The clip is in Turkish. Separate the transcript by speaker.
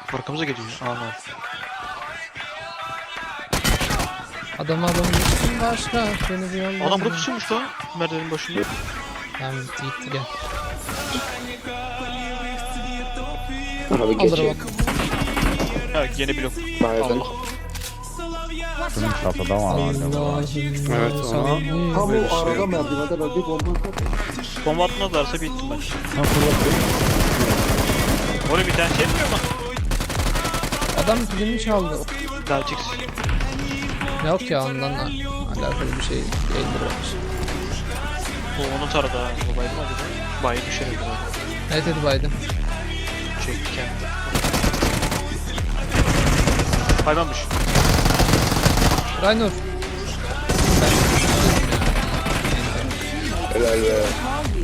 Speaker 1: Arkamıza geliyor. Ana.
Speaker 2: Adamın için başka beni bir yolla.
Speaker 1: Adam burada pusuyormuş lan. Merdivenin başında.
Speaker 2: Tamam gitti gel.
Speaker 3: Abi
Speaker 2: Alır
Speaker 3: geçeyim.
Speaker 2: bak.
Speaker 1: Ha yeni blok.
Speaker 3: Nereden?
Speaker 4: Şunun çatıda var acaba.
Speaker 2: Allah'ım.
Speaker 5: Evet, ona-
Speaker 6: Tam
Speaker 4: Böyle
Speaker 6: o
Speaker 4: şey
Speaker 6: arada
Speaker 4: yok.
Speaker 6: merdivende ben bir bomba atarım.
Speaker 1: Bomba atmazlarsa bittim ben.
Speaker 4: Ha fırlatayım.
Speaker 1: Oraya bir tane şey yapmıyor mu?
Speaker 2: Adam filmi çaldı.
Speaker 1: Daha çıksın.
Speaker 2: Yok ya ondan alakalı bir şey değildir bence.
Speaker 1: O onu taradı ha. O baydı mı acaba? Bayı düşer herhalde.
Speaker 2: Evet hadi baydım.
Speaker 1: Çekti kendini. Baymamış.
Speaker 2: Raynor. Ben
Speaker 3: Helal be.